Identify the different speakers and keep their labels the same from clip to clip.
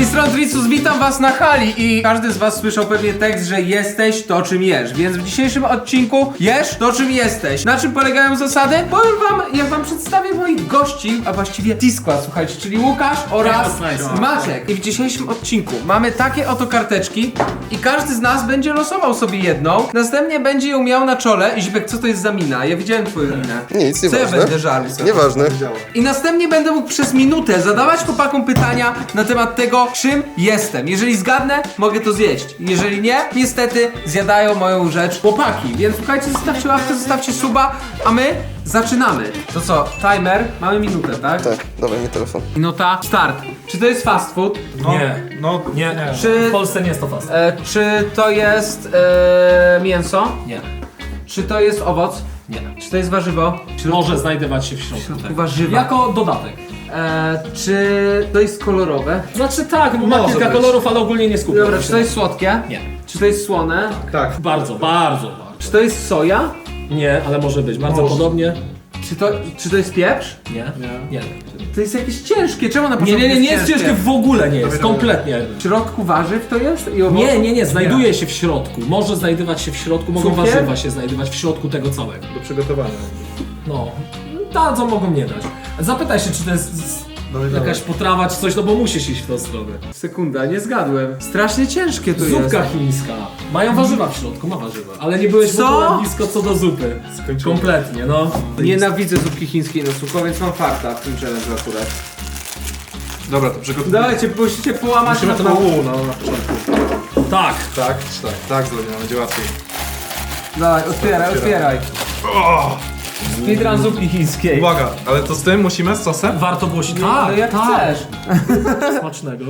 Speaker 1: tej strony Tricus, witam was na hali i każdy z was słyszał pewnie tekst, że jesteś to czym jesz, więc w dzisiejszym odcinku jesz to czym jesteś. Na czym polegają zasady? Powiem wam, jak wam przedstawię moich gości, a właściwie T-Skład, słuchajcie, czyli Łukasz oraz Maciek. I w dzisiejszym odcinku mamy takie oto karteczki i każdy z nas będzie losował sobie jedną, następnie będzie ją miał na czole. I Zibek, co to jest za mina? Ja widziałem twoją minę.
Speaker 2: Nic,
Speaker 1: Co
Speaker 2: nieważne.
Speaker 1: ja będę żarł?
Speaker 2: Nieważne.
Speaker 1: I następnie będę mógł przez minutę zadawać chłopakom pytania na temat tego, czym jestem. Jeżeli zgadnę, mogę to zjeść. Jeżeli nie, niestety zjadają moją rzecz chłopaki. Więc słuchajcie, zostawcie łapkę, zostawcie suba, a my zaczynamy. To co, timer? Mamy minutę, tak?
Speaker 2: Tak, dawaj mi telefon.
Speaker 1: Minuta, start. Czy to jest fast food?
Speaker 3: Nie.
Speaker 1: Czy,
Speaker 3: W Polsce nie jest to fast.
Speaker 1: czy to jest mięso?
Speaker 3: Nie.
Speaker 1: Czy to jest owoc?
Speaker 3: Nie.
Speaker 1: Czy to jest warzywo?
Speaker 3: Może znajdować się w środku. Tak.
Speaker 1: Warzywa.
Speaker 3: Jako dodatek.
Speaker 1: Czy to jest kolorowe?
Speaker 3: Znaczy tak, bo ma
Speaker 4: Może
Speaker 3: kilka
Speaker 4: być.
Speaker 3: kolorów, ale ogólnie nie skupiam
Speaker 1: Dobra,
Speaker 3: się.
Speaker 1: czy to jest słodkie?
Speaker 3: Nie.
Speaker 1: Czy to jest słone?
Speaker 4: Tak.
Speaker 3: Bardzo, bardzo.
Speaker 1: Czy to jest soja?
Speaker 3: Nie, ale może być. Bardzo
Speaker 4: Może.
Speaker 3: podobnie.
Speaker 1: Czy to jest pieprz?
Speaker 3: Nie. Nie.
Speaker 1: To jest jakieś ciężkie, czemu na
Speaker 3: Nie,
Speaker 1: początku
Speaker 3: nie jest ciężkie, w ogóle nie jest. Kompletnie.
Speaker 1: W środku warzyw to jest? I owoców?
Speaker 3: Nie, znajduje się w środku. Może znajdować się w środku, mogą
Speaker 1: Cukier?
Speaker 3: warzywa się znajdować w środku tego całego.
Speaker 4: Do przygotowania.
Speaker 3: No. Dadzą, mogą nie dać. Zapytaj się, czy to jest jakaś potrawa, czy coś, no bo musisz iść w tą stronę.
Speaker 1: Sekunda, nie zgadłem. Strasznie ciężkie to
Speaker 3: Zupka
Speaker 1: jest.
Speaker 3: chińska. Mają warzywa w środku, ma warzywa. Ale nie byłeś w
Speaker 1: Co?
Speaker 3: ogóle blisko co do zupy.
Speaker 4: Skończyłem.
Speaker 3: Kompletnie, no.
Speaker 1: Nienawidzę zupki chińskiej na sucho, więc mam farta w tym challenge akurat.
Speaker 4: Dobra, to przygotujemy.
Speaker 1: Dawajcie, musicie połamać
Speaker 4: Musimy to na
Speaker 1: pół.
Speaker 4: pół, no na początku.
Speaker 3: Tak.
Speaker 4: Tak zrobimy, będzie łatwiej.
Speaker 1: Dawaj, otwieraj. Speedrun zupki chińskiej.
Speaker 4: Uwaga, ale to z tym musimy, z sosem?
Speaker 3: Warto głosić.
Speaker 1: Ale jak chcesz.
Speaker 3: Smacznego.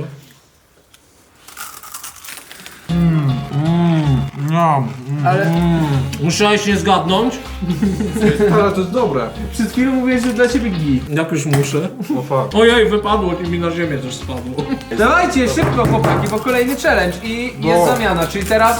Speaker 4: No.
Speaker 1: Ale
Speaker 3: Musiałeś nie zgadnąć?
Speaker 4: Ale to jest dobre.
Speaker 1: przed chwilą mówiłeś, że dla ciebie git.
Speaker 3: Jak już muszę.
Speaker 4: O fuck.
Speaker 3: Ojej, wypadło i mi na ziemię też spadło.
Speaker 1: Dawajcie, szybko chłopaki, bo kolejny challenge i jest zamiana, czyli teraz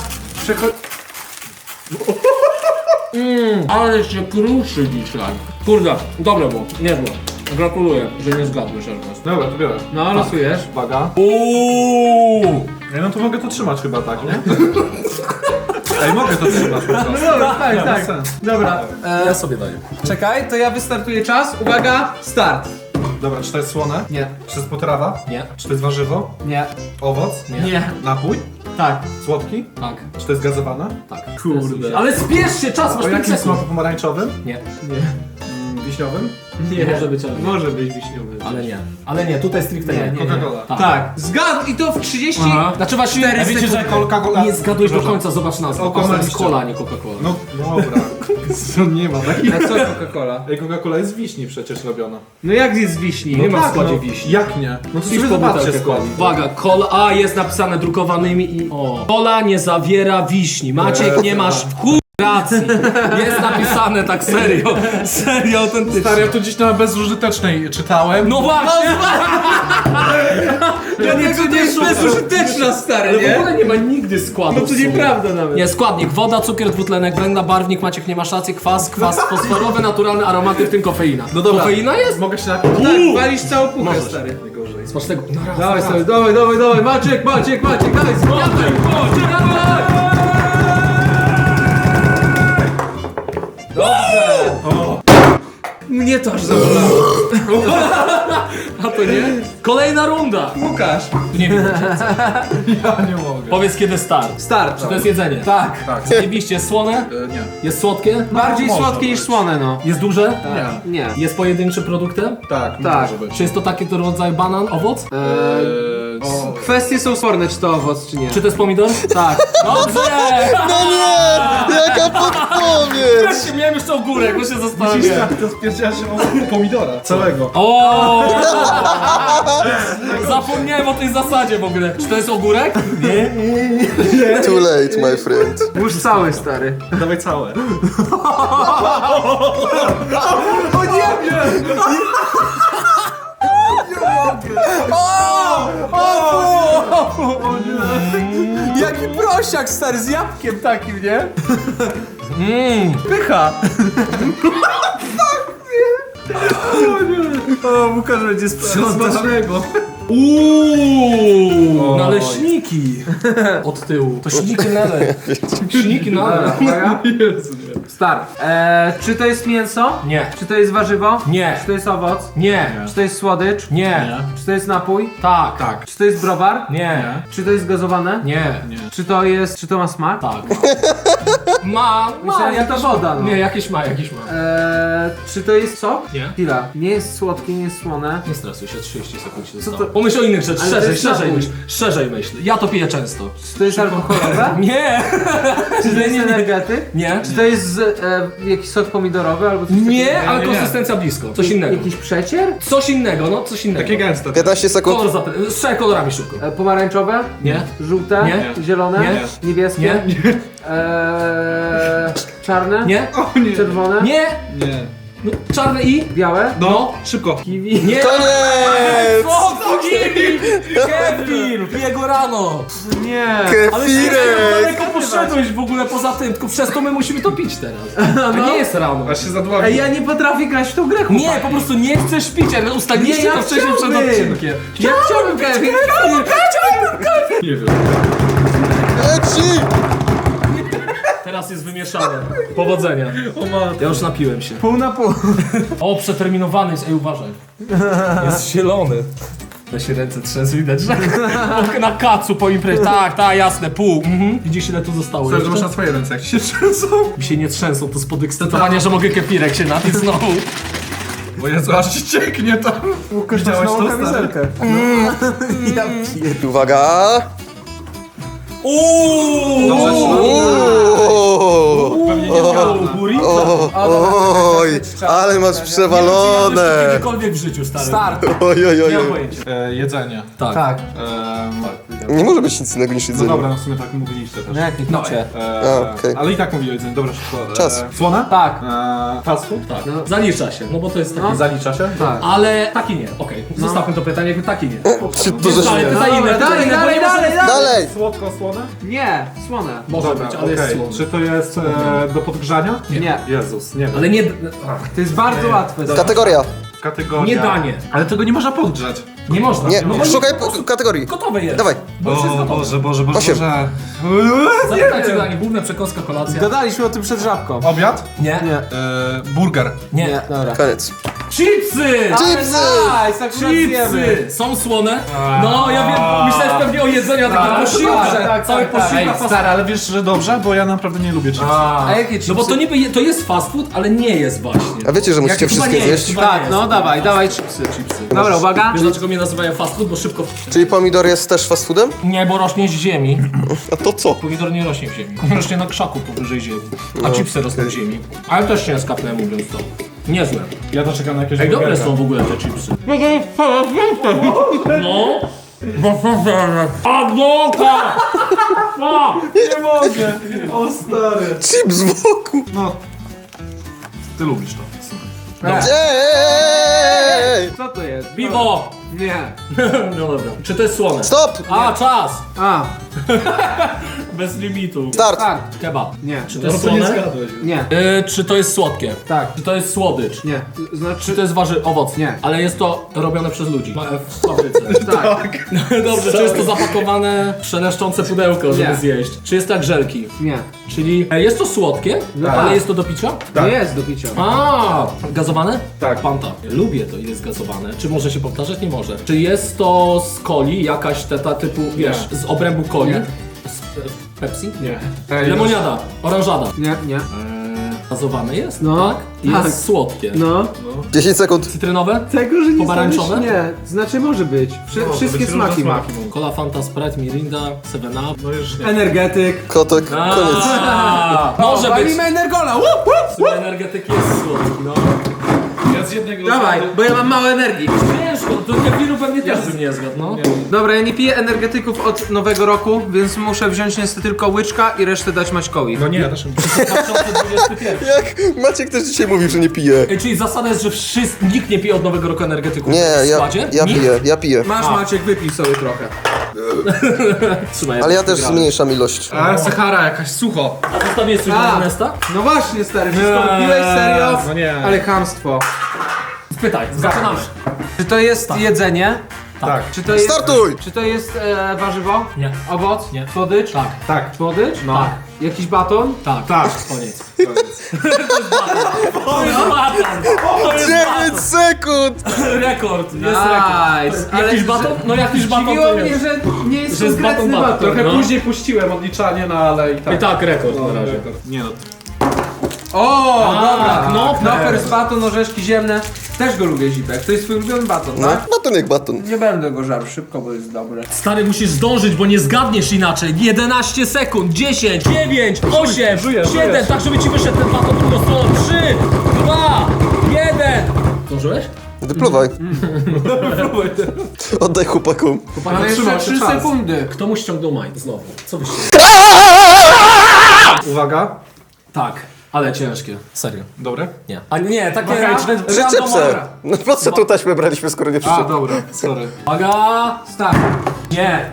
Speaker 3: Ale się kruszy dzisiaj. Kurde, dobre było, niezłe. Gratuluję, że nie zgadłeś Ernest.
Speaker 4: Dobra, to biorę.
Speaker 1: No, losujesz.
Speaker 4: Uwaga.
Speaker 3: Uuuu!
Speaker 4: No to mogę to trzymać chyba, tak, nie? Ej, mogę to trzymać po prostu.
Speaker 1: Dobra, tak,
Speaker 4: ma sens.
Speaker 1: Dobra,
Speaker 3: Ja sobie daję.
Speaker 1: czekaj, to ja wystartuję czas. Uwaga, start.
Speaker 4: Dobra, czy to jest słone?
Speaker 1: Nie,
Speaker 4: Czy to jest potrawa?
Speaker 3: Nie.
Speaker 4: Czy to jest warzywo?
Speaker 1: nie,
Speaker 4: Owoc?
Speaker 1: nie,
Speaker 4: Napój?
Speaker 1: tak.
Speaker 4: Słodki?
Speaker 3: Tak.
Speaker 4: Czy to jest gazowane?
Speaker 3: Tak. Kurde. Ale spiesz się, czas masz
Speaker 4: O
Speaker 3: 5
Speaker 4: jakim
Speaker 3: sekund.
Speaker 4: smaku pomarańczowym?
Speaker 3: Nie.
Speaker 4: Wiśniowym?
Speaker 1: Nie,
Speaker 3: Może być, ale nie.
Speaker 1: Może być wiśniowy.
Speaker 3: Ale nie. Ale nie, tutaj stricte nie.
Speaker 4: Coca-Cola.
Speaker 3: Tak.
Speaker 1: Tak, zgadł i to w 30.
Speaker 3: Aha. Znaczy właśnie,
Speaker 1: Cztery
Speaker 3: wiecie, że
Speaker 4: Coca-Cola.
Speaker 3: nie zgadłeś do końca, zobacz nazwę. To jest
Speaker 4: Okłamaliście.
Speaker 3: cola, a nie Coca-Cola.
Speaker 4: No dobra. Nie ma takiej.
Speaker 1: A co Coca-Cola?
Speaker 4: Ej, Coca-Cola jest z wiśni przecież robiona.
Speaker 1: No jak jest z wiśni?
Speaker 3: Nie ma w
Speaker 4: tak,
Speaker 3: składzie
Speaker 4: no.
Speaker 3: wiśni.
Speaker 4: Jak nie? No to
Speaker 3: Pisz
Speaker 4: sobie
Speaker 3: po
Speaker 4: zobaczcie
Speaker 3: butelkę
Speaker 4: skład.
Speaker 3: coli. Uwaga, cola, a jest napisane drukowanymi i... O. Cola nie zawiera wiśni. Maciek, nie masz chuj racji. Jest napisane tak serio. Serio, autentycznie.
Speaker 4: Stary, ja to gdzieś na bezużytecznej czytałem.
Speaker 3: No właśnie!
Speaker 1: Dlatego to jest bezużyteczna, stary,
Speaker 3: Ale w
Speaker 1: nie?
Speaker 3: ogóle nie ma nigdy składu.
Speaker 1: No to nieprawda nawet.
Speaker 3: Nie, składnik: woda, cukier, dwutlenek węgla, barwnik, Maciek nie masz racji, kwas fosforowy, naturalny aromaty, w tym kofeina.
Speaker 4: No dobra.
Speaker 3: Kofeina jest?
Speaker 4: Mogę się napić?
Speaker 1: Tak, walisz całą puchę, stary.
Speaker 4: Najgorzej.
Speaker 3: Smacznego. No raz,
Speaker 1: Dawaj,
Speaker 3: raz.
Speaker 1: stary, dawaj, Maciek, dawaj, zgadaj, dawaj! Dobrze! Mnie to aż zabolało.
Speaker 3: A to nie? Kolejna runda.
Speaker 1: Łukasz.
Speaker 3: Nie wiem.
Speaker 4: Ja nie mogę.
Speaker 3: Powiedz kiedy start.
Speaker 1: Start.
Speaker 3: Czy to jest jedzenie?
Speaker 1: Tak.
Speaker 4: Tak.
Speaker 3: Zajebiście, jest słone?
Speaker 4: Nie.
Speaker 3: Jest słodkie?
Speaker 1: Bardziej
Speaker 4: może
Speaker 1: słodkie niż
Speaker 4: być.
Speaker 1: słone, no.
Speaker 3: Jest duże?
Speaker 4: Nie.
Speaker 1: Nie.
Speaker 3: Jest pojedynczym produktem?
Speaker 4: Tak,
Speaker 1: Tak.
Speaker 4: może być.
Speaker 3: Czy jest to taki rodzaj banan, owoc?
Speaker 1: Kwestie są sporne, czy to owoc, czy nie.
Speaker 3: Czy to jest pomidor? Tak. Dobrze!
Speaker 2: No nie! Jaka podpowiedź!
Speaker 3: Ja się miałem jeszcze ogórek, bo się zastanawiałem.
Speaker 4: To spierdziała się o pomidora. Całego.
Speaker 3: O! Zapomniałem o tej zasadzie w ogóle. Czy to jest ogórek? Nie.
Speaker 2: Too late, my friend.
Speaker 1: Już cały, stary.
Speaker 4: Dawaj całe.
Speaker 1: O nie wiem! Jaki prosiak, stary, z jabłkiem takim, nie? Pycha! O, Łukasz będzie sprzątał.
Speaker 4: Smacznego.
Speaker 3: Uuuu! Naleśniki. Od tyłu. To śniki nalej. Śniki nalej.
Speaker 1: Uwaga.
Speaker 4: Jezu, nie.
Speaker 1: Start. Czy to jest mięso?
Speaker 3: Nie.
Speaker 1: Czy to jest warzywo?
Speaker 3: Nie.
Speaker 1: Czy to jest owoc?
Speaker 3: Nie.
Speaker 1: Czy to jest słodycz?
Speaker 3: Nie.
Speaker 1: Czy to jest napój?
Speaker 3: Tak.
Speaker 4: Tak.
Speaker 1: Czy to jest browar?
Speaker 3: Nie.
Speaker 1: Czy to jest gazowane?
Speaker 3: Nie.
Speaker 1: Czy to ma smak?
Speaker 3: Tak. Ma
Speaker 1: Myślałem, że to
Speaker 3: jakiś-
Speaker 1: woda, no.
Speaker 3: Nie, jakiś ma.
Speaker 1: Czy to jest sok?
Speaker 3: Nie.
Speaker 1: Chwila. Nie jest słodkie, nie jest słone.
Speaker 3: Nie stresuj się, 30 sekund się
Speaker 1: to-
Speaker 3: zostało. Pomyśl o innych rzeczach,
Speaker 1: Ale to
Speaker 3: szerzej,
Speaker 1: jest
Speaker 3: szerzej
Speaker 1: napój.
Speaker 3: myśl. Szerzej myśl. Ja to piję często.
Speaker 1: Czy to jest alkoholowe?
Speaker 3: Nie.
Speaker 1: Czy to jest energetyk?
Speaker 3: Nie.
Speaker 1: Czy to jest jakiś sok pomidorowy albo coś
Speaker 3: Nie,
Speaker 1: takiego?
Speaker 3: ale
Speaker 4: nie.
Speaker 3: konsystencja blisko. Coś innego.
Speaker 1: Jakiś przecier?
Speaker 3: Coś innego, no coś innego.
Speaker 4: Takie gęste.
Speaker 2: 15 sekund.
Speaker 3: Kolor z trzema kolorami szybko.
Speaker 1: Pomarańczowe?
Speaker 3: Nie.
Speaker 1: Żółte?
Speaker 3: Nie.
Speaker 1: Zielone?
Speaker 3: Nie.
Speaker 1: Niebieskie?
Speaker 3: Nie.
Speaker 1: Czarne?
Speaker 3: Nie.
Speaker 4: O nie.
Speaker 1: Czerwone?
Speaker 3: Nie.
Speaker 4: Nie.
Speaker 3: No, czarne i?
Speaker 1: Białe?
Speaker 4: No, szybko.
Speaker 1: Kiwi?
Speaker 3: Nie.
Speaker 2: Koniec!
Speaker 3: O, Kevin! Kevin! Piję go rano!
Speaker 1: Nie.
Speaker 3: Ale się
Speaker 2: Kefirek!
Speaker 3: daleko poszedłeś w ogóle poza tym, tylko przez to my musimy to pić teraz. A nie jest rano.
Speaker 4: Aż się zadławił.
Speaker 1: Ej, ja nie potrafię grać w tą grę,
Speaker 3: Nie,
Speaker 1: chłopaki.
Speaker 3: po prostu nie chcesz pić, ale ustaliliście
Speaker 1: Nie, ja
Speaker 3: to wcześniej przed
Speaker 1: chciałbym.
Speaker 3: odcinkiem.
Speaker 1: Ja chciałbym Kevin.
Speaker 4: Nie wiem.
Speaker 2: Leci!
Speaker 3: Teraz jest wymieszane. Powodzenia. Ja już napiłem się.
Speaker 1: Pół na pół.
Speaker 3: O, przeterminowany jest, ej uważaj. Jest zielony. Da się ręce trzęsą, widać, że na kacu po imprezie. Tak, jasne, pół. Widzisz ile tu zostało
Speaker 4: Myślę, że
Speaker 3: jeszcze?
Speaker 4: masz na swoje ręce, jak się trzęsą.
Speaker 3: Mi się nie trzęsą, to z podekscytowania, że mogę kefirek się napić znowu.
Speaker 4: Bo Jezu, aż ci cieknie tam. Widziałeś to, stary?
Speaker 1: Ja
Speaker 2: Uwaga! Uuu!
Speaker 4: Pewnie nie zgadł.
Speaker 2: Oj, ale masz przewalone!
Speaker 3: Kiedykolwiek w życiu, stary.
Speaker 1: Start.
Speaker 2: Oj, oj, oj,
Speaker 3: Nie mam
Speaker 2: oj.
Speaker 3: pojęcia.
Speaker 4: Jedzenie.
Speaker 3: Tak.
Speaker 1: Tak.
Speaker 2: Nie może być nic innego niż
Speaker 4: No
Speaker 2: jedzenie.
Speaker 4: dobra, no w sumie tak mówiliście też.
Speaker 1: No jak nie picie?
Speaker 2: A, okej.
Speaker 4: Ale i tak mówili o jedzeniu. Dobra, szybko.
Speaker 2: Czas.
Speaker 4: Słone?
Speaker 1: Tak.
Speaker 4: Fast food?
Speaker 3: Tak. Zalicza się, no bo to jest taki...
Speaker 4: Zalicza się?
Speaker 1: Tak.
Speaker 3: Ale taki nie, okej. Zostawmy to pytanie, taki nie.
Speaker 2: Czy to, że
Speaker 3: Dalej,
Speaker 2: się...
Speaker 3: pytaj inne,
Speaker 1: Dobra,
Speaker 3: pytaj inne, bo
Speaker 1: dalej,
Speaker 3: nie może-
Speaker 1: dalej.
Speaker 2: Dalej!
Speaker 4: Słodko, słone?
Speaker 1: Nie, słone.
Speaker 3: Może
Speaker 4: Dobra,
Speaker 3: być, ale jest
Speaker 4: okej.
Speaker 3: słone.
Speaker 4: Czy to jest do podgrzania?
Speaker 1: Nie.
Speaker 4: Jezus, nie wiem.
Speaker 3: Ale nie...
Speaker 1: To jest bardzo łatwe.
Speaker 2: Kategoria.
Speaker 4: Kategoria.
Speaker 3: Nie danie.
Speaker 4: Ale tego nie można podgrzać.
Speaker 3: Nie można.
Speaker 2: Nie,
Speaker 3: No bo
Speaker 2: szukaj
Speaker 3: po prostu
Speaker 2: kategorii.
Speaker 3: Gotowe jest.
Speaker 2: Dawaj.
Speaker 3: Bo już jest gotowe.
Speaker 4: Boże.
Speaker 2: Osiem.
Speaker 3: Zapytajcie danie, główne przekąska, kolacja.
Speaker 1: Gadaliśmy o tym przed żabką.
Speaker 4: Obiad?
Speaker 3: Nie.
Speaker 1: Nie.
Speaker 4: Burger.
Speaker 3: Nie.
Speaker 1: Dobra.
Speaker 2: Koniec.
Speaker 3: Chipsy!
Speaker 2: Chipsy!
Speaker 1: Nice, akurat zjemy.
Speaker 3: Chipsy! Są słone? No, ja wiem, myślałem pewnie o jedzeniu, a tak posiłce.
Speaker 1: tak,
Speaker 3: Cały
Speaker 1: tak, tak.
Speaker 3: posiłek.
Speaker 4: Ej, stary, ale wiesz, że dobrze? Bo ja naprawdę nie lubię chipsów.
Speaker 3: A
Speaker 1: jakie chipsy?
Speaker 3: No bo to niby, to jest fast food, ale nie jest właśnie.
Speaker 2: A wiecie, że musicie
Speaker 3: Chyba
Speaker 2: wszystkie
Speaker 3: nie jest,
Speaker 2: zjeść?
Speaker 3: chyba nie
Speaker 1: Tak,
Speaker 3: jest.
Speaker 1: no dawaj chipsy. Dobra, uwaga.
Speaker 3: Wiesz dlaczego mnie nazywają fast food? Bo szybko...
Speaker 2: Czyli pomidor jest też fast foodem?
Speaker 3: Nie, bo rośnie z ziemi.
Speaker 2: A to co?
Speaker 3: Pomidor nie rośnie w ziemi. Rośnie na krzaku powyżej ziemi. A chipsy rosną w ziemi. Ale też nie jest kapnę, mówiąc to. Niezłe.
Speaker 4: Ja to czekam na jakieś
Speaker 3: Ej, dobre
Speaker 4: burgerka.
Speaker 3: są w ogóle te chipsy. No. Agnoka!
Speaker 4: Nie mogę! O stary!
Speaker 2: Chips wokół!
Speaker 4: No. Ty lubisz to. w sumie.
Speaker 2: Ej!
Speaker 1: Co to jest?
Speaker 3: Piwo!
Speaker 1: Nie.
Speaker 3: No dobra. Czy to jest słone?
Speaker 2: Stop!
Speaker 3: A, czas!
Speaker 1: A,
Speaker 3: Bez limitu.
Speaker 2: Start!
Speaker 1: start.
Speaker 3: Kebab.
Speaker 1: Nie.
Speaker 3: Czy to jest słone?
Speaker 1: Nie.
Speaker 3: Czy to jest słodkie?
Speaker 1: Tak.
Speaker 3: Czy to jest słodycz?
Speaker 1: Nie.
Speaker 3: Czy
Speaker 1: Znaczy...
Speaker 3: to jest owoc?
Speaker 1: Nie.
Speaker 3: Ale jest to robione przez ludzi. W fabryce.
Speaker 1: Tak.
Speaker 3: Dobrze, czy jest to zapakowane szeleszczące pudełko, żeby
Speaker 1: Nie.
Speaker 3: zjeść? Czy jest to jak żelki?
Speaker 1: Nie.
Speaker 3: Czyli jest to słodkie,
Speaker 1: Tak.
Speaker 3: ale jest to do picia?
Speaker 1: To jest do picia.
Speaker 3: A, gazowane?
Speaker 4: Tak.
Speaker 3: Fanta. Lubię to, ile jest gazowane. Czy może się powtarzać? Nie może. Czy jest to z coli, jakaś ta typu, wiesz, z obrębu coli?
Speaker 1: Nie.
Speaker 3: Pepsi?
Speaker 4: Nie.
Speaker 3: Lemoniada, oranżada.
Speaker 1: Nie.
Speaker 3: Gazowane jest?
Speaker 1: No.
Speaker 3: Tak? I jest
Speaker 1: Tak.
Speaker 3: słodkie.
Speaker 1: No.
Speaker 2: 10 sekund.
Speaker 3: Cytrynowe?
Speaker 1: Tego, że nie
Speaker 3: Pomarańczowe?
Speaker 1: znaleźć, nie. Znaczy może być. Wszystkie smaki ma.
Speaker 3: Cola, Fanta, Sprite, Mirinda, 7up.
Speaker 4: No już nie.
Speaker 1: Energetyk.
Speaker 2: Kotek, koniec.
Speaker 3: Może być.
Speaker 1: Walimy energola.
Speaker 3: W sumie energetyk jest słodki, no.
Speaker 4: Ja z jednego
Speaker 1: Dawaj, bo ja mam mało energii.
Speaker 3: Ciężko, to kefiru pewnie też bym nie zgadł, no.
Speaker 1: Dobra, ja nie piję energetyków od nowego roku, więc muszę wziąć niestety tylko łyczka i resztę dać Maćkowi.
Speaker 4: No nie, ja też
Speaker 3: 2021.
Speaker 2: Jak Maciek też dzisiaj mówił, że nie pije.
Speaker 3: Ej, czyli zasada jest, że nikt nie pije od nowego roku energetyku
Speaker 2: Nie,
Speaker 3: w
Speaker 2: ja
Speaker 3: składzie?
Speaker 2: piję, ja piję.
Speaker 1: Masz Maciek, wypij sobie trochę.
Speaker 3: Trzymaj,
Speaker 2: Ale ja też zmniejszam ilość.
Speaker 4: A, Sahara jakaś, sucho.
Speaker 3: A zostawiłeś coś
Speaker 1: A.
Speaker 3: na Ernesta?
Speaker 1: No właśnie stary, wszystko wypiłeś serio?
Speaker 4: No nie.
Speaker 1: Ale chamstwo.
Speaker 3: Pytaj, zaczynamy.
Speaker 1: Czy to jest jedzenie?
Speaker 4: Tak.
Speaker 1: Czy to jest...
Speaker 2: Startuj!
Speaker 1: Czy to jest warzywo?
Speaker 3: Nie.
Speaker 1: Owoc?
Speaker 3: Nie.
Speaker 1: Słodycz?
Speaker 3: Tak.
Speaker 4: Tak.
Speaker 1: Słodycz?
Speaker 4: No.
Speaker 1: Tak. Jakiś baton?
Speaker 3: Tak.
Speaker 4: Tak.
Speaker 3: Koniec. To jest baton. To jest
Speaker 2: 9 sekund!
Speaker 3: rekord. Jest
Speaker 1: Nice.
Speaker 3: rekord. Jakiś baton? No jakiś baton
Speaker 1: Zdziwiło
Speaker 3: to
Speaker 1: mnie,
Speaker 3: jest.
Speaker 1: że nie jest
Speaker 3: Że jest
Speaker 1: konkretny
Speaker 3: baton.
Speaker 1: baton.
Speaker 4: Trochę
Speaker 3: No.
Speaker 4: później puściłem odliczanie, no ale i tak.
Speaker 3: I tak rekord
Speaker 4: No,
Speaker 3: na razie.
Speaker 4: Nie no.
Speaker 1: O,
Speaker 3: A,
Speaker 1: dobra.
Speaker 3: Knopper.
Speaker 1: Knopper z baton, orzeszki ziemne. Też go lubię, Zipek. To jest twój ulubiony baton,
Speaker 2: No,
Speaker 1: tak?
Speaker 2: baton jak baton.
Speaker 1: Nie będę go żarł szybko, bo jest dobry.
Speaker 3: Stary, musisz zdążyć, bo nie zgadniesz inaczej. 11 sekund, 10, 9, 8,
Speaker 4: Żujesz,
Speaker 3: 7,
Speaker 4: żujesz.
Speaker 3: tak żeby ci wyszedł ten baton drugą stroną. 3, 2, 1. Zdążyłeś?
Speaker 2: Wypluwaj. Oddaj chłopakom.
Speaker 1: Ale jeszcze
Speaker 4: trzymał się
Speaker 1: 3
Speaker 4: czas.
Speaker 1: sekundy.
Speaker 3: Kto mu ściągnął majt znowu? Co byście?
Speaker 4: Uwaga.
Speaker 3: Tak, ale ciężkie. Serio.
Speaker 4: Dobre?
Speaker 3: Nie. A nie, takie
Speaker 1: Uwaga.
Speaker 2: Życzę pse. No po co tu taśmę braliśmy, skoro nie
Speaker 4: A,
Speaker 2: przyszedł?
Speaker 4: dobra, sorry.
Speaker 3: Uwaga!
Speaker 1: Start.
Speaker 3: Nie.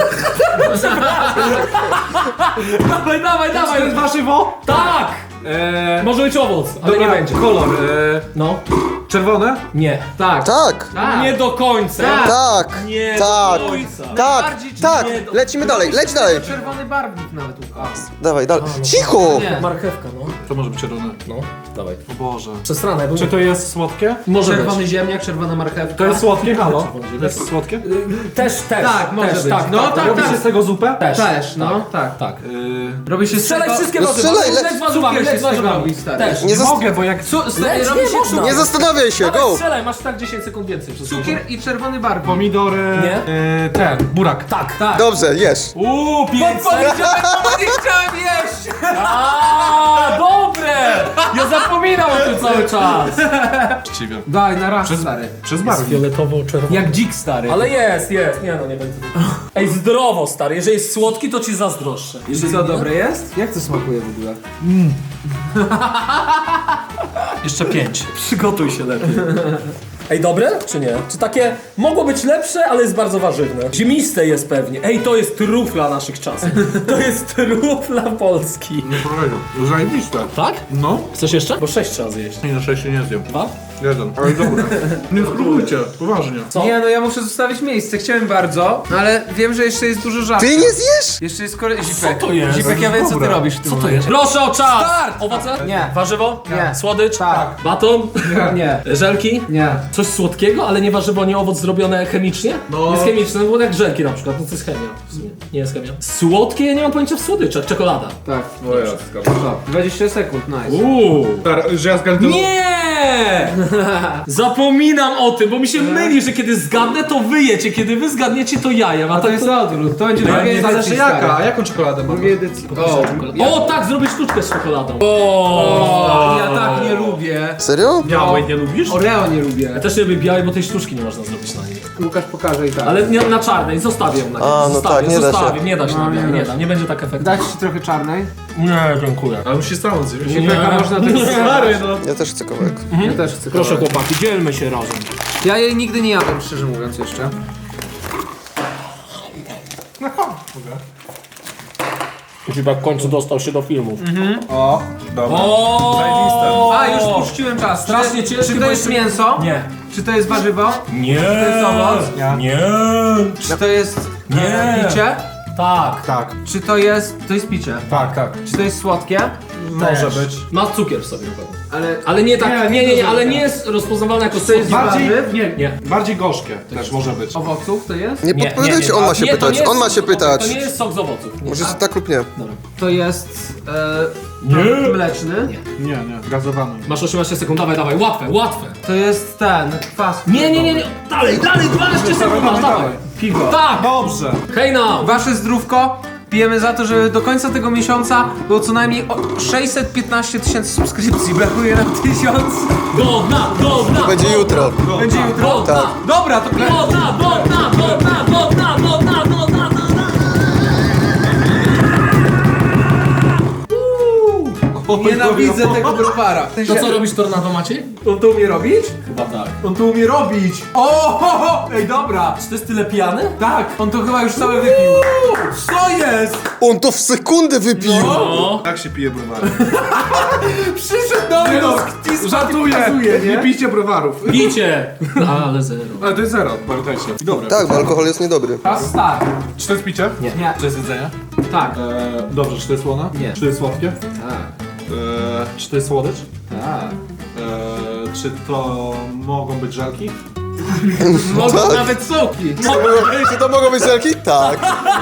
Speaker 3: dawaj, dawaj,
Speaker 4: To jest
Speaker 3: dawaj.
Speaker 4: warzywo?
Speaker 3: Tak! Może być owoc, ale
Speaker 4: Dobra,
Speaker 3: nie będzie.
Speaker 4: kolor.
Speaker 3: No.
Speaker 4: Czerwone?
Speaker 3: Nie.
Speaker 1: Tak.
Speaker 2: Tak!
Speaker 1: Tak.
Speaker 3: Nie do końca.
Speaker 1: Tak.
Speaker 2: Tak!
Speaker 3: Nie
Speaker 2: Tak!
Speaker 3: do końca.
Speaker 2: Tak!
Speaker 1: Najbardziej
Speaker 2: Tak!
Speaker 3: nie do-
Speaker 2: Lecimy dalej, leć dalej!
Speaker 1: Czerwony barwnik nawet ukazał.
Speaker 2: Dawaj, dalej. Cicho!
Speaker 1: Nie.
Speaker 3: Marchewka, no.
Speaker 4: To może być czerwone.
Speaker 3: No, dawaj.
Speaker 4: O Boże.
Speaker 3: Przestranę, bo
Speaker 4: Czy to jest słodkie?
Speaker 3: może
Speaker 1: Czerwony
Speaker 3: być.
Speaker 1: ziemniak, czerwona marchewka.
Speaker 4: To jest słodkie, halo?
Speaker 3: Czerwone
Speaker 4: To jest słodkie?
Speaker 3: Też.
Speaker 1: Tak, może
Speaker 3: też,
Speaker 1: być.
Speaker 3: Tak,
Speaker 1: No,
Speaker 3: tak,
Speaker 1: tak,
Speaker 4: Robi
Speaker 1: tak.
Speaker 4: się z tego zupę?
Speaker 1: Też, no, tak.
Speaker 3: Tak.
Speaker 1: Robi się z
Speaker 3: Strzelaj
Speaker 1: tego...
Speaker 3: wszystkie
Speaker 2: No
Speaker 3: warzywa.
Speaker 2: strzelaj,
Speaker 3: Leć warzywami,
Speaker 1: cukier się
Speaker 3: leć
Speaker 1: z tego
Speaker 3: warzywami.
Speaker 1: robi, stary.
Speaker 3: Też.
Speaker 2: Nie
Speaker 4: Mogę, bo jak
Speaker 1: Stary,
Speaker 3: Leć,
Speaker 1: robi
Speaker 3: nie
Speaker 1: się
Speaker 3: można.
Speaker 2: Nie zastanawiaj się,
Speaker 3: Dawaj,
Speaker 2: go!
Speaker 3: strzelaj, masz tak 10 sekund więcej. Przez
Speaker 1: cukier i czerwony barwnik.
Speaker 4: pomidory...
Speaker 3: Nie?
Speaker 4: Ten, burak.
Speaker 3: Tak.
Speaker 1: Tak.
Speaker 2: Dobrze, jesz.
Speaker 3: 5
Speaker 1: Powiedziałem, bo nie chciałem jeść!
Speaker 3: A, dobre! Ja zapominam o tym cały czas.
Speaker 4: Właściwie.
Speaker 1: Daj, na raz, stary.
Speaker 4: Przez barwnik.
Speaker 3: Fioletowo-czerwony.
Speaker 1: Jak dzik, stary.
Speaker 3: Ale jest. Nie no, nie będzie. Ej, zdrowo, stary. Jeżeli jest słodki, to ci zazdroszczę.
Speaker 1: I
Speaker 3: Jeżeli
Speaker 1: co,
Speaker 3: nie-
Speaker 1: dobre jest? Jak to smakuje w ogóle?
Speaker 4: Jeszcze 5.
Speaker 3: Przygotuj się lepiej. Ej, dobre czy nie? Czy takie mogło być lepsze, ale jest bardzo warzywne. Ziemiste jest pewnie. Ej, to jest trufla naszych czasów. To jest trufla Polski.
Speaker 4: Nie powiedział. Zajebiste.
Speaker 3: Tak?
Speaker 4: No.
Speaker 3: Chcesz jeszcze? Bo 6 trzeba zjeść.
Speaker 4: Nie, na 6 nie zjem.
Speaker 3: 2?
Speaker 4: Jeden. Ale dobra. Nie spróbujcie, poważnie.
Speaker 3: Co?
Speaker 1: Nie, no ja muszę zostawić miejsce, chciałem bardzo, ale wiem, że jeszcze jest dużo żartów.
Speaker 2: Ty nie zjesz?
Speaker 1: Jeszcze jest Zipek.
Speaker 3: to jest?
Speaker 1: Zipek, ja wiem, co ty
Speaker 4: Dobre.
Speaker 1: robisz w tym momencie.
Speaker 3: Proszę o czas!
Speaker 1: Start!
Speaker 3: Owoce?
Speaker 1: Nie.
Speaker 3: Warzywo?
Speaker 1: Nie.
Speaker 3: Słodycz?
Speaker 1: Tak.
Speaker 3: Baton?
Speaker 1: Nie.
Speaker 3: Żelki?
Speaker 1: Nie.
Speaker 3: Coś słodkiego, ale nie warzywo, nie owoc zrobione chemicznie?
Speaker 4: No.
Speaker 3: Jest chemiczne, no bo jak żelki na przykład, no to jest chemia w sumie. Nie jest chemia. Słodkie, ja nie mam pojęcia w słodyczach. Czekolada.
Speaker 1: Tak.
Speaker 4: O jasne.
Speaker 1: 20 sekund, nice.
Speaker 4: Że ja zgadnę.
Speaker 3: Nie! Zapominam o tym, bo mi się myli, że kiedy zgadnę, to wy jecie, kiedy wy zgadniecie, to ja jem.
Speaker 1: A to jest na odwrót, to będzie druga
Speaker 4: Nie
Speaker 1: edycja,
Speaker 4: zależy
Speaker 1: stary.
Speaker 4: jaka, a jaką czekoladę mam?
Speaker 1: Drugiej edycji.
Speaker 3: O, tak, zrobię sztuczkę z czekoladą.
Speaker 1: O, ja tak nie lubię.
Speaker 2: Serio?
Speaker 4: Białej nie lubisz?
Speaker 1: Oreo nie lubię.
Speaker 3: Ja też nie lubię białej, bo tej sztuczki nie można zrobić na niej.
Speaker 1: Łukasz pokaże i tak.
Speaker 3: Ale nie, na czarnej, zostawię ją na niej.
Speaker 2: A, no
Speaker 3: zostawię,
Speaker 2: tak, nie da się.
Speaker 3: zostawię. Nie da się
Speaker 1: No,
Speaker 3: na białej,
Speaker 1: nie
Speaker 3: nie
Speaker 1: da
Speaker 3: da, nie będzie tak efektywny.
Speaker 1: Dać ci trochę czarnej?
Speaker 3: Nie, dziękuję.
Speaker 4: Ale musi samą zjeść.
Speaker 1: Zipek, a można tego
Speaker 4: Stary, no.
Speaker 2: Ja też chcę kawałek.
Speaker 1: Ja też chcę
Speaker 3: Proszę
Speaker 1: kawałek.
Speaker 3: chłopaki, dzielmy się razem.
Speaker 1: Ja jej nigdy nie jadłem, szczerze mówiąc jeszcze.
Speaker 3: Zipek w końcu dostał się do filmów.
Speaker 4: O, dobra.
Speaker 3: O!
Speaker 1: A, już puściłem czas.
Speaker 3: Strasznie ciężkie,
Speaker 1: Czy
Speaker 3: bo
Speaker 1: to jest
Speaker 3: jeszcze-
Speaker 1: mięso?
Speaker 3: Nie.
Speaker 1: Czy to jest warzywo?
Speaker 3: Nie.
Speaker 1: To jest owoc?
Speaker 3: Nie.
Speaker 1: Czy to jest
Speaker 3: Nie.
Speaker 1: picie?
Speaker 3: Tak.
Speaker 4: Tak,
Speaker 1: Czy to jest... To jest picie.
Speaker 4: tak, tak.
Speaker 1: Czy to jest słodkie?
Speaker 4: Może być.
Speaker 3: Ma cukier w sobie na pewno.
Speaker 1: Ale...
Speaker 3: Ale nie tak,
Speaker 4: Nie,
Speaker 3: nie,
Speaker 4: nie
Speaker 3: ale
Speaker 4: dużo.
Speaker 3: nie jest rozpoznawalne jako
Speaker 1: To jest
Speaker 3: słodki.
Speaker 4: Bardziej,
Speaker 1: warzyw?
Speaker 4: nie,
Speaker 3: Nie.
Speaker 4: bardziej gorzkie też może być.
Speaker 1: Owoców to jest?
Speaker 2: Nie podpowiadajcie, on ma się
Speaker 3: Nie, to
Speaker 2: pytać,
Speaker 3: nie jest
Speaker 2: on ma się
Speaker 3: sok z owoców,
Speaker 2: pytać.
Speaker 3: To nie jest sok z owoców.
Speaker 2: Może tak lub nie.
Speaker 1: To jest...
Speaker 3: Nie.
Speaker 1: mleczny?
Speaker 3: Nie.
Speaker 4: Nie, gazowany.
Speaker 3: Masz 18 sekund, dawaj, dawaj, łatwe.
Speaker 1: To jest ten... kwas.
Speaker 3: Nie. Dalej, 12 sekund masz, dawaj.
Speaker 1: Piwo.
Speaker 3: Tak!
Speaker 4: Dobrze.
Speaker 3: Hej now!
Speaker 1: Wasze zdrówko pijemy za to, żeby do końca tego miesiąca było co najmniej 615 000 subskrypcji. Brakuje nam 1000.
Speaker 3: Do dna!
Speaker 2: Będzie jutro.
Speaker 1: Będzie jutro.
Speaker 3: Do dna!
Speaker 1: Dobra, to
Speaker 3: Do dna!
Speaker 1: Nienawidzę tego browara. W sensie,
Speaker 3: To co robisz tornado, Maciej?
Speaker 1: on to umie robić?
Speaker 3: Chyba tak.
Speaker 1: On to umie robić. O! Ej, dobra.
Speaker 3: Czy to jest tyle pijany?
Speaker 1: Tak, on to chyba już cały wypił. Co jest?
Speaker 2: On to w sekundę wypił!
Speaker 3: No.
Speaker 4: Tak się pije browary.
Speaker 1: Przyszedł do mnie, no,
Speaker 4: Żartuję! Nie pijcie browarów.
Speaker 3: Picie! Ale zero.
Speaker 4: Ale to jest zero, pamiętajcie. Dobra.
Speaker 2: Tak, bo alkohol jest niedobry.
Speaker 1: Raz start.
Speaker 4: Czy to jest picie?
Speaker 1: Nie.
Speaker 4: Czy to jest jedzenie?
Speaker 1: Tak.
Speaker 4: Dobrze, czy to jest słone?
Speaker 1: Nie.
Speaker 4: Czy to jest słodkie?
Speaker 1: Tak.
Speaker 4: Czy to jest słodycz?
Speaker 1: Tak.
Speaker 4: Czy to mogą być żelki?
Speaker 1: Mogą
Speaker 2: Tak.
Speaker 1: nawet soki.
Speaker 2: Czy to mogą być żelki? Tak.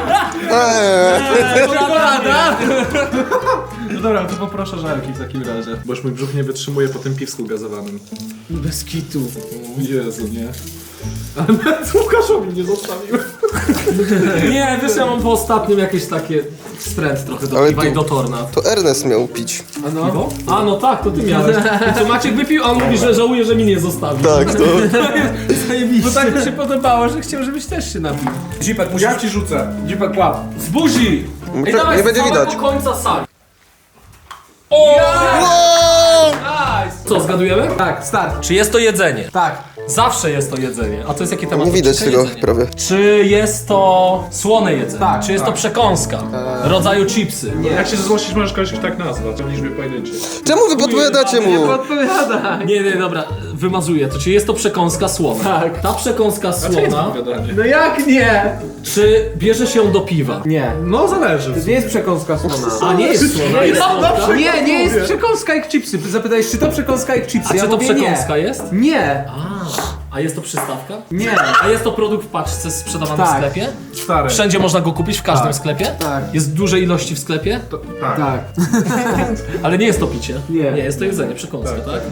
Speaker 1: Czekolada.
Speaker 4: No dobra, to poproszę żelki w takim razie. Bo już mój brzuch nie wytrzymuje po tym piwsku gazowanym.
Speaker 1: Bez kitu.
Speaker 4: Jezu, nie. Ale nawet Łukaszowi nie zostawiłem.
Speaker 3: Nie, wiesz, ja mam po ostatnim jakieś takie wstręt trochę do
Speaker 2: Ale
Speaker 3: piwa
Speaker 2: tu-
Speaker 3: i do torna.
Speaker 2: To Ernest miał pić.
Speaker 1: A no.
Speaker 3: Piwo? A no tak, to ty miałeś. I co Maciek wypił, a on mówi, że żałuje, że mi nie zostawił.
Speaker 2: Tak, to...
Speaker 1: Bo tak mi się podobało, że chciał, żebyś też się napił.
Speaker 3: Dzipek,
Speaker 4: Ja ci rzucę.
Speaker 1: Dzipek łap.
Speaker 3: z buzi! Ej, dawaj,
Speaker 2: Nie
Speaker 3: z
Speaker 2: będzie
Speaker 3: całego
Speaker 2: widać.
Speaker 3: końca sali. O!
Speaker 2: Wow!
Speaker 1: Nice.
Speaker 3: Co, zgadujemy?
Speaker 1: Tak, start.
Speaker 3: Czy jest to jedzenie?
Speaker 1: Tak.
Speaker 3: Zawsze jest to jedzenie. A to jest jaki temat?
Speaker 2: Nie widać
Speaker 3: Odcinka?
Speaker 2: tego
Speaker 3: Jedzenie.
Speaker 2: prawie.
Speaker 3: Czy jest to słone jedzenie?
Speaker 1: Tak,
Speaker 3: Czy jest to przekąska? Rodzaju chipsy?
Speaker 4: Jak się złościsz, możesz kogoś tak nazwać, w liczbie pojedynczej.
Speaker 2: Czemu wy podpowiadacie mu?
Speaker 1: Odpowiada.
Speaker 3: Nie, dobra, wymazuję to. Czy jest to przekąska słona?
Speaker 1: Tak.
Speaker 3: Ta przekąska słona,
Speaker 4: Gadanie.
Speaker 1: No jak nie?
Speaker 3: czy bierze się do piwa?
Speaker 1: Nie.
Speaker 4: No zależy.
Speaker 1: To nie jest przekąska słona.
Speaker 3: A nie jest słona, jest słodka?
Speaker 1: Nie, nie jest przekąska jak chipsy. Zapytałeś, czy to przekąska jak chipsy?
Speaker 3: A
Speaker 1: Ja
Speaker 3: czy to
Speaker 1: mówię
Speaker 3: przekąska
Speaker 1: nie.
Speaker 3: jest?
Speaker 1: Nie.
Speaker 3: A jest to przystawka?
Speaker 1: Nie.
Speaker 3: A jest to produkt w paczce sprzedawany w
Speaker 1: Tak.
Speaker 3: sklepie?
Speaker 4: Stary.
Speaker 3: Wszędzie można go kupić, w każdym
Speaker 4: Tak.
Speaker 3: sklepie?
Speaker 1: Tak.
Speaker 3: Jest w dużej ilości w sklepie?
Speaker 4: Tak.
Speaker 1: Tak.
Speaker 3: Ale nie jest to picie.
Speaker 1: Nie.
Speaker 3: Nie, jest to jedzenie, przekąska, tak?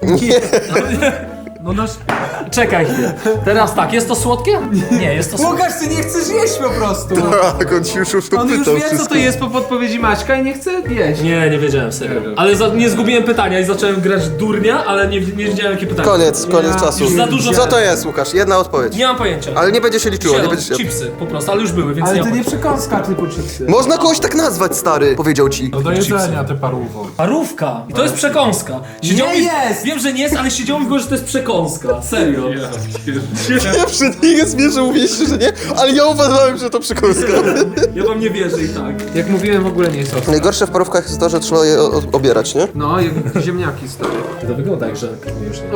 Speaker 1: No nasz...
Speaker 3: Czekaj chwilę. Teraz tak, jest to słodkie? Nie, jest to słodkie.
Speaker 1: Łukasz, ty nie chcesz jeść po prostu.
Speaker 2: Tak, on ci już to
Speaker 1: On już
Speaker 2: pytał
Speaker 1: wie, co
Speaker 2: wszystko.
Speaker 1: to jest po podpowiedzi Maćka i nie chce jeść.
Speaker 3: Nie wiedziałem, serio.
Speaker 4: Nie wiem.
Speaker 3: Ale nie zgubiłem pytania i zacząłem grać durnia, ale nie wiedziałem jakie pytanie.
Speaker 2: Koniec czasu.
Speaker 3: Już za dużo-
Speaker 2: Co to jest, Łukasz? Jedna odpowiedź.
Speaker 3: Nie mam pojęcia.
Speaker 2: Ale nie będzie się liczyło, nie
Speaker 3: Zielon,
Speaker 2: będzie się...
Speaker 3: chipsy, po prostu, ale już były, więc
Speaker 1: Ale
Speaker 3: nie
Speaker 1: to
Speaker 3: mam
Speaker 1: nie
Speaker 3: pojęcia.
Speaker 1: przekąska typu chipsy.
Speaker 2: Można kogoś tak nazwać, stary, powiedział ci.
Speaker 4: No do jedzenia, te parówko.
Speaker 3: Parówka. I to jest przekąska. Siedziało
Speaker 1: Nie
Speaker 3: mi-
Speaker 1: jest!
Speaker 3: Wiem, że nie jest, ale siedziało mi w głowie, że to jest przekąska. Serio.
Speaker 2: Ja przed nim zmierzę, mówiliście, że nie, ale ja uważałem, że to przekąska.
Speaker 3: Ja wam nie wierzę i tak.
Speaker 1: Jak mówiłem, w ogóle nie jest ostre.
Speaker 2: Najgorsze w parówkach jest to, że trzeba je obierać, nie?
Speaker 1: No, jak ziemniaki stary.
Speaker 3: To wygląda jak żelka.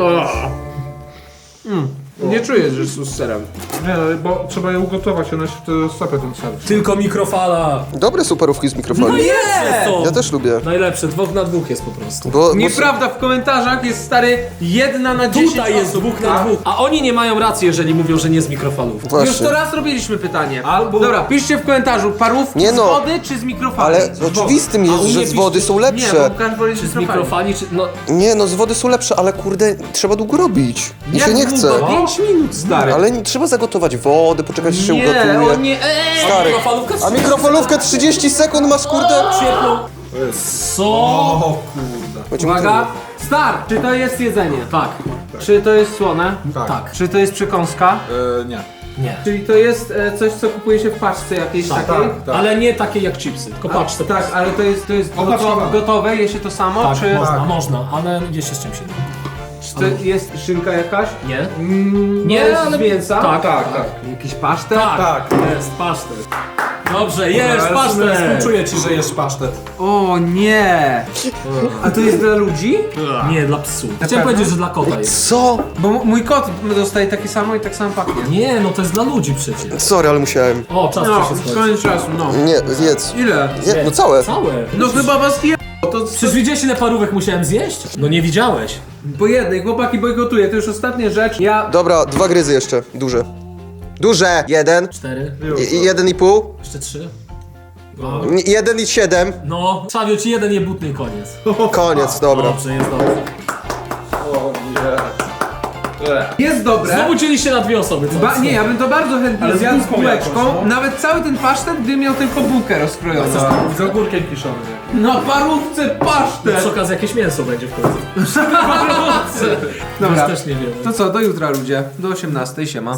Speaker 1: Nie czujesz, że są z serem.
Speaker 4: Nie, bo trzeba je ugotować, one się wtedy rozsypią ten ser.
Speaker 3: Tylko mikrofala.
Speaker 2: Dobre są parówki z mikrofali.
Speaker 3: No jest to.
Speaker 2: Ja też lubię.
Speaker 3: Najlepsze, 2 na 2 jest po prostu.
Speaker 2: Bo
Speaker 1: Nieprawda, w komentarzach jest stary 1 na 10
Speaker 3: Tutaj jest
Speaker 1: osób.
Speaker 3: 2 na 2. A oni nie mają racji, jeżeli mówią, że nie z mikrofalów.
Speaker 1: Już
Speaker 2: Właśnie.
Speaker 1: to raz robiliśmy pytanie.
Speaker 4: Albo-
Speaker 1: Dobra, piszcie w komentarzu, parówki
Speaker 2: Nie no.
Speaker 1: z wody czy z mikrofali?
Speaker 2: Ale oczywistym jest,
Speaker 3: u
Speaker 2: że
Speaker 3: mnie
Speaker 2: z wody są
Speaker 1: Nie,
Speaker 2: lepsze.
Speaker 1: bo Łukasz woli
Speaker 3: Czy z mikrofali, czy... No,
Speaker 2: Nie no, z wody są lepsze, ale kurde, trzeba długo robić. Mi się nie chce.
Speaker 1: 5 minut, stary.
Speaker 2: Ale trzeba zagotować wodę, poczekać, aż się
Speaker 1: Nie,
Speaker 2: ugotuje.
Speaker 1: on nie...
Speaker 2: Stary.
Speaker 3: mikrofalówka
Speaker 2: A mikrofalówkę 30 sekund masz, kurde?
Speaker 3: Świetną. Co?
Speaker 4: O kurde.
Speaker 2: Będzie
Speaker 1: Uwaga, start! Czy to jest jedzenie?
Speaker 3: Tak.
Speaker 1: Czy to jest słone?
Speaker 3: Tak.
Speaker 1: Czy to jest przekąska?
Speaker 4: Nie.
Speaker 3: Nie.
Speaker 1: Czyli to jest coś, co kupuje się w paczce jakiejś takiej?
Speaker 4: tak.
Speaker 3: Ale nie takie jak chipsy, tylko patrz to.
Speaker 1: Tak, ale to jest
Speaker 4: Opaczkowane.
Speaker 1: gotowe, je się to samo?
Speaker 3: Tak,
Speaker 1: czy
Speaker 3: można, ale wie się z czym się da.
Speaker 1: czy to jest szynka jakaś?
Speaker 3: Nie?
Speaker 1: Nie,
Speaker 3: ale-
Speaker 1: ale z mięsa?
Speaker 3: Tak,
Speaker 4: Tak.
Speaker 1: Jakiś pasztet?
Speaker 3: Tak, jest pasztet. Dobrze, jest
Speaker 4: Ale
Speaker 3: pasztet.
Speaker 4: Współczuję ci, że jesz pasztet.
Speaker 1: O nie! A to jest dla ludzi?
Speaker 3: Nie, dla psu. Chciałem powiedzieć, że dla kota jest.
Speaker 2: Co?
Speaker 1: Bo mój kot dostaje takie samo i tak samo pachnie.
Speaker 3: Nie, no to jest dla ludzi przecież.
Speaker 2: Sorry, ale musiałem.
Speaker 3: O, czas
Speaker 1: No,
Speaker 3: ci się skończy.
Speaker 1: koniec czasu, no.
Speaker 2: Nie, jedz.
Speaker 1: Ile?
Speaker 2: Nie, no całe.
Speaker 3: Całe.
Speaker 1: No chyba was je... To
Speaker 3: Przecież widziałeś ile parówek musiałem zjeść? No nie widziałeś.
Speaker 1: po jednej, chłopaki bojkotuję, to już ostatnia rzecz. Ja...
Speaker 2: Dobra, 2 gryzy jeszcze. Duże. Duże! 1.
Speaker 3: 4,
Speaker 2: I 1,5.
Speaker 3: jeszcze 3.
Speaker 2: 1,7.
Speaker 3: No, Szawio ci jeden jebutny i koniec.
Speaker 2: Koniec, dobra.
Speaker 3: Dobrze, jest dobrze.
Speaker 1: Jest dobre.
Speaker 3: Znowu dzieliście na 2 osoby, co?
Speaker 1: Nie, ja bym to bardzo chętnie
Speaker 4: Ale
Speaker 1: zjadł z
Speaker 4: zjadł
Speaker 1: bułeczką.
Speaker 4: jakoś, no.
Speaker 1: Nawet cały ten pasztet, gdy miał tylko bułkę rozkrojoną.
Speaker 4: Z ogórkiem kiszonym.
Speaker 1: Na parówce
Speaker 3: Przy
Speaker 1: pasztet!
Speaker 3: okazji jakieś mięso będzie w końcu.
Speaker 1: Dobra,
Speaker 3: Też nie wiem.
Speaker 1: to co, do jutra ludzie, do 18, siema.